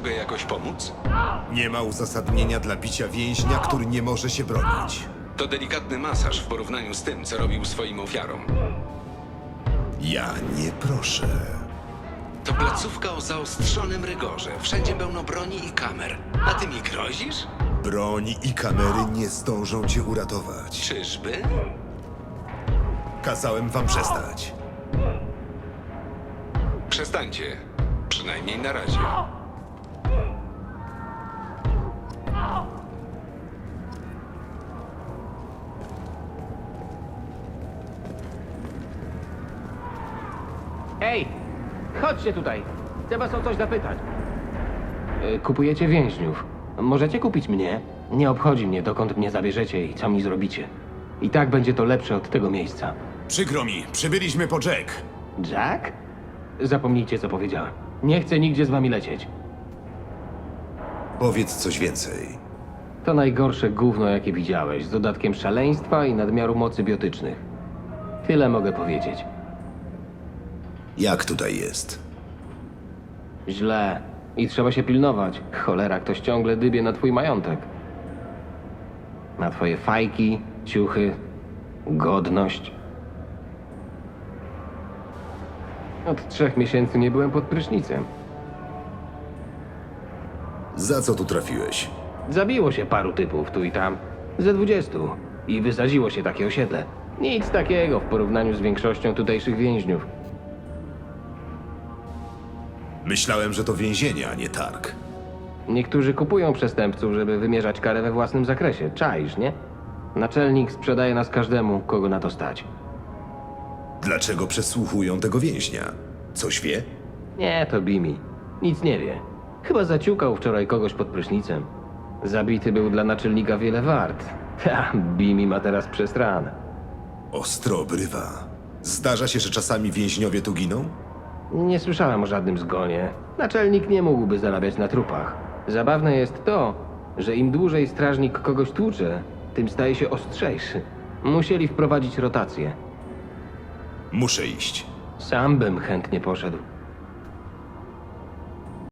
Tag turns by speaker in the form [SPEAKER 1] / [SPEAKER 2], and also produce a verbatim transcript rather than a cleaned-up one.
[SPEAKER 1] Mogę jakoś pomóc?
[SPEAKER 2] Nie ma uzasadnienia dla bicia więźnia, który nie może się bronić.
[SPEAKER 1] To delikatny masaż w porównaniu z tym, co robił swoim ofiarom.
[SPEAKER 2] Ja nie proszę.
[SPEAKER 1] To placówka o zaostrzonym rygorze. Wszędzie pełno broni i kamer. A ty mi grozisz?
[SPEAKER 2] Broni i kamery nie zdążą cię uratować.
[SPEAKER 1] Czyżby?
[SPEAKER 2] Kazałem wam przestać.
[SPEAKER 1] Przestańcie. Przynajmniej na razie.
[SPEAKER 3] Ej, chodźcie tutaj. Chcę was o coś zapytać. E, Kupujecie więźniów. Możecie kupić mnie? Nie obchodzi mnie, dokąd mnie zabierzecie i co mi zrobicie. I tak będzie to lepsze od tego miejsca.
[SPEAKER 2] Przykro mi, przybyliśmy po Jack.
[SPEAKER 3] Jack? Zapomnijcie, co powiedziałem. Nie chcę nigdzie z wami lecieć.
[SPEAKER 2] Powiedz coś więcej.
[SPEAKER 3] To najgorsze gówno, jakie widziałeś, z dodatkiem szaleństwa i nadmiaru mocy biotycznych. Tyle mogę powiedzieć.
[SPEAKER 2] Jak tutaj jest?
[SPEAKER 3] Źle. I trzeba się pilnować. Cholera, ktoś ciągle dybie na twój majątek. Na twoje fajki, ciuchy, godność. Od trzech miesięcy nie byłem pod prysznicem.
[SPEAKER 2] Za co tu trafiłeś?
[SPEAKER 3] Zabiło się paru typów tu i tam. Ze dwudziestu. I wysadziło się takie osiedle. Nic takiego w porównaniu z większością tutejszych więźniów.
[SPEAKER 2] Myślałem, że to więzienie, a nie targ.
[SPEAKER 3] Niektórzy kupują przestępców, żeby wymierzać karę we własnym zakresie. Czaisz, nie? Naczelnik sprzedaje nas każdemu, kogo na to stać.
[SPEAKER 2] Dlaczego przesłuchują tego więźnia? Coś wie?
[SPEAKER 3] Nie, to Bimi. Nic nie wie. Chyba zaciukał wczoraj kogoś pod prysznicem. Zabity był dla naczelnika wiele wart. Ha, Bimi ma teraz przestran.
[SPEAKER 2] Ostro obrywa. Zdarza się, że czasami więźniowie tu giną?
[SPEAKER 3] Nie słyszałem o żadnym zgonie. Naczelnik nie mógłby zarabiać na trupach. Zabawne jest to, że im dłużej strażnik kogoś tłucze, tym staje się ostrzejszy. Musieli wprowadzić rotację.
[SPEAKER 2] Muszę iść.
[SPEAKER 3] Sam bym chętnie poszedł.